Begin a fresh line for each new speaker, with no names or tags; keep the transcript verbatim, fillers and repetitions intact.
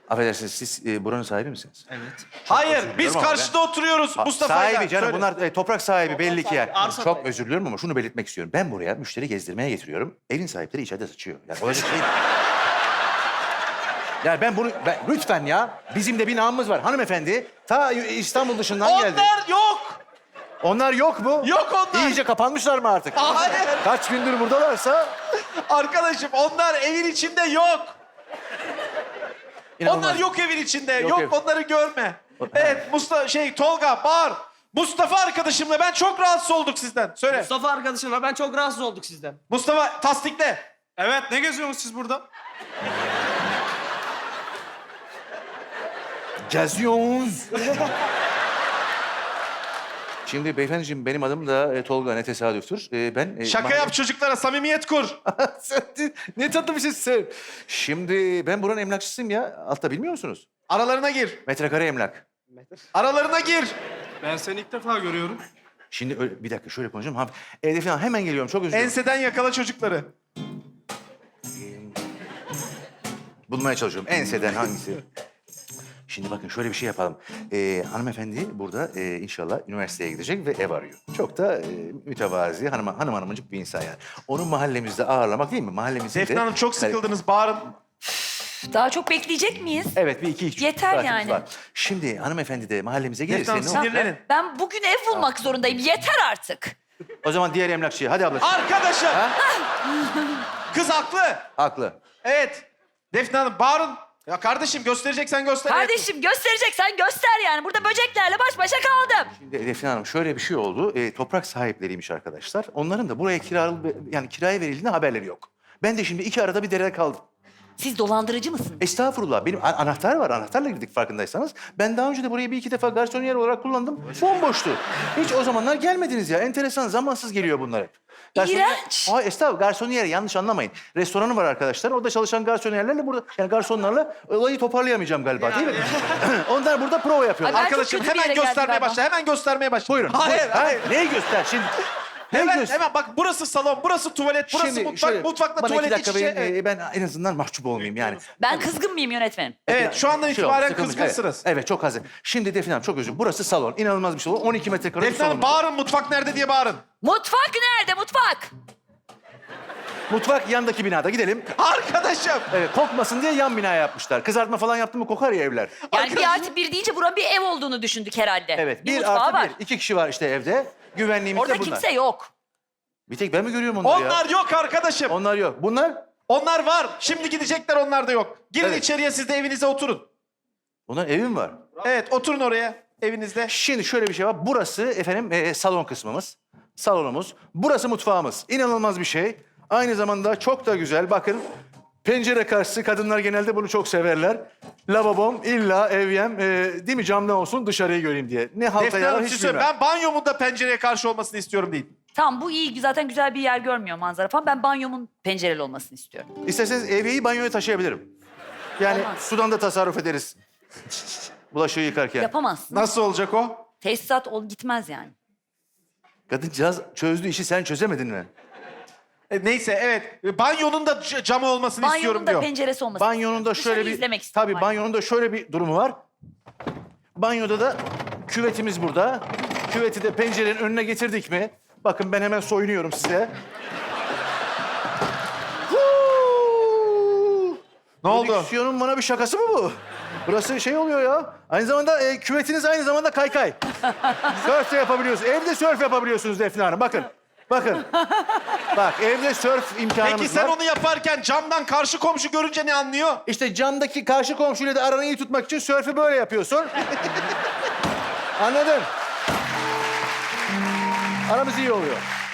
Affedersiniz, siz e, buranın sahibi misiniz?
Evet.
Hayır,
özür
biz
diliyorum ama
karşıda oturuyoruz
Ha,
Mustafa'yla.
Sahibi canım,
Söyle.
bunlar e, toprak sahibi belli ki yani.
arsa
Çok
sahibi.
özür diliyorum ama şunu belirtmek istiyorum. Ben buraya müşteri gezdirmeye getiriyorum. Evin sahipleri içeride sıçıyor. Yani olacak şey... Yani ben bunu... Ben, lütfen ya, bizim de bir namımız var. Hanımefendi, ta İstanbul dışından geldi.
Onlar yok.
Onlar yok mu?
Yok onlar.
İyice kapanmışlar mı artık?
Hayır.
Kaç gündür buradalarsa...
Arkadaşım onlar evin içinde yok.
İnanılmaz.
Onlar yok evin içinde.
Yok
Yok,
ev.
onları görme. Evet Mustafa şey Tolga bağır. Mustafa arkadaşımla ben çok rahatsız olduk sizden. Söyle.
Mustafa arkadaşımla ben çok rahatsız olduk sizden.
Mustafa tasdikle.
Evet, ne geziyorsunuz siz burada?
Geziyoruz. Şimdi beyefendiciğim, benim adım da e, Tolga, ne tesadüftür. E, ben... e,
Şaka
mahalle-
yap çocuklara samimiyet kur.
Sen de- ne tatlı bir şeysin. Şimdi ben buranın emlakçısıyım ya. Altta bilmiyor musunuz?
Aralarına gir.
Metrekare emlak.
Aralarına gir.
Ben seni ilk defa görüyorum.
Şimdi öyle, bir dakika şöyle konuşayım. Ha, evde falan hemen geliyorum. Çok özür dilerim.
Enseden yakala çocukları.
Bulmaya çalışıyorum. Enseden hangisi? Şimdi bakın şöyle bir şey yapalım. Ee, hanımefendi burada e, inşallah üniversiteye gidecek ve ev arıyor. Çok da e, mütevazi, hanım, hanım hanımcık bir insan yani. Onu mahallemizde ağırlamak değil mi? Mahallemizde
Defne
de...
Hanım çok sıkıldınız. Bağırın.
Daha çok bekleyecek miyiz?
Evet, bir iki üç.
Yeter
saatimiz
yani.
var. Şimdi hanımefendi de mahallemize gelirse...
Defne Hanım
ne olur?
sinirlenin.
Ben bugün ev bulmak zorundayım. Yeter artık.
O zaman diğer emlakçıya. Hadi ablacığım.
Arkadaşım.
Ha?
Kız haklı.
Haklı.
Evet. Defne Hanım bağırın. Ya kardeşim göstereceksen göster.
Kardeşim göstereceksen göster yani. Burada böceklerle baş başa kaldım.
Şimdi Defne Hanım şöyle bir şey oldu. E, toprak sahipleriymiş arkadaşlar. Onların da buraya kira, yani kiraya verildiğinde haberleri yok. Ben de şimdi iki arada bir derede kaldım.
Siz dolandırıcı mısınız?
Estağfurullah. Benim a- anahtar var. Anahtarla girdik farkındaysanız. Ben daha önce de burayı bir iki defa garsoniyer olarak kullandım. Bomboştu. Hiç o zamanlar gelmediniz ya. Enteresan, zamansız geliyor bunlar hep.
İğrenç.
Ay estağfurullah. Garsoniyer, yanlış anlamayın. Restoranı var arkadaşlar. Orada çalışan garsoniyerlerle burada, yani garsonlarla olayı toparlayamayacağım galiba değil mi? Onlar burada prova yapıyorlar.
Ay, ben çok
Arkadaşım
kötü bir
hemen
yere geldim
göstermeye
galiba.
başla. Hemen göstermeye başla.
Buyurun.
Hayır,
buyurun.
hayır.
Ha, neyi göster şimdi? Neyi
Hemen,
göster?
hemen bak burası salon, burası tuvalet, burası
Şimdi
mutfak,
şöyle,
mutfakla
bana
tuvalet
iki
iç
dakika
içe.
verin,
Evet.
e, ben en azından mahcup olmayayım yani.
Ben kızgın mıyım yönetmenim?
Evet, şu andan
Şey oldu,
itibaren
sıkılmış.
kızgınsınız.
Evet, evet, çok hazır. Şimdi Defne Hanım çok özür dilerim. Burası salon. İnanılmaz bir salon. on iki metrekare bir
Defne Hanım
salon.
bağırın, mutfak nerede diye bağırın.
Mutfak nerede mutfak?
Mutfak yandaki binada. Gidelim.
Arkadaşım.
Evet, kokmasın diye yan bina yapmışlar. Kızartma falan yaptı mı kokar ya evler.
Yani bir artı bir deyince buranın bir ev olduğunu düşündük herhalde.
Evet,
bir,
bir
mutfağı
artı
var.
bir. İki kişi var işte evde. Güvenliğimiz
Orada
de bunlar.
kimse yok.
Bir tek ben mi görüyorum onları ya?
Onlar yok arkadaşım.
Onlar yok. Bunlar?
Onlar var. Şimdi gidecekler, onlar da yok. Girin
Evet.
içeriye, siz de evinize oturun.
Bunların evi mi var?
Evet, oturun oraya evinizde.
Şimdi şöyle bir şey var. Burası efendim e, salon kısmımız. Salonumuz. Burası mutfağımız. İnanılmaz bir şey. Aynı zamanda çok da güzel. Bakın pencere karşısı, kadınlar genelde bunu çok severler. Lavabom illa evyem e, değil mi, camdan olsun dışarıyı göreyim diye. Ne halta
Defne
yarar
Hanım
hiç
siz söyle.
bilmem.
Ben banyomun da pencereye karşı olmasını istiyorum değil.
Tamam bu iyi. Zaten güzel bir yer görmüyor manzara falan. Ben banyomun pencereli olmasını istiyorum.
İsterseniz evyeyi banyoya taşıyabilirim. Yani
Olmaz.
sudan da tasarruf ederiz. Bulaşığı yıkarken.
Yapamazsın.
Nasıl olacak o?
Tesisat ol gitmez yani.
Kadıncağız çözdü işi, sen çözemedin mi?
E, neyse evet. E, Banyonun da c- camı olmasını istiyorum
Banyonun da
diyor.
penceresi olmasını
Banyonun da
istiyorum.
şöyle
Dışarıyı
bir...
izlemek istiyorum.
Tabii banyonun da şöyle bir durumu var. Banyoda da küvetimiz burada. Küveti de pencerenin önüne getirdik mi? Bakın ben hemen soyunuyorum size. Huu!
Ne oldu?
Prodüksiyonun bana bir şakası mı bu? Burası şey oluyor ya. Aynı zamanda e, küvetiniz aynı zamanda kaykay. Sörf de yapabiliyorsunuz. Evde sörf yapabiliyorsunuz Defne Hanım. Bakın. Bakın. Bak evde sörf imkanımız
Peki sen
var.
onu yaparken camdan karşı komşu görünce ne anlıyor?
İşte camdaki karşı komşuyla da aranı iyi tutmak için sörfü böyle yapıyorsun. Anladın? Aramız iyi oluyor.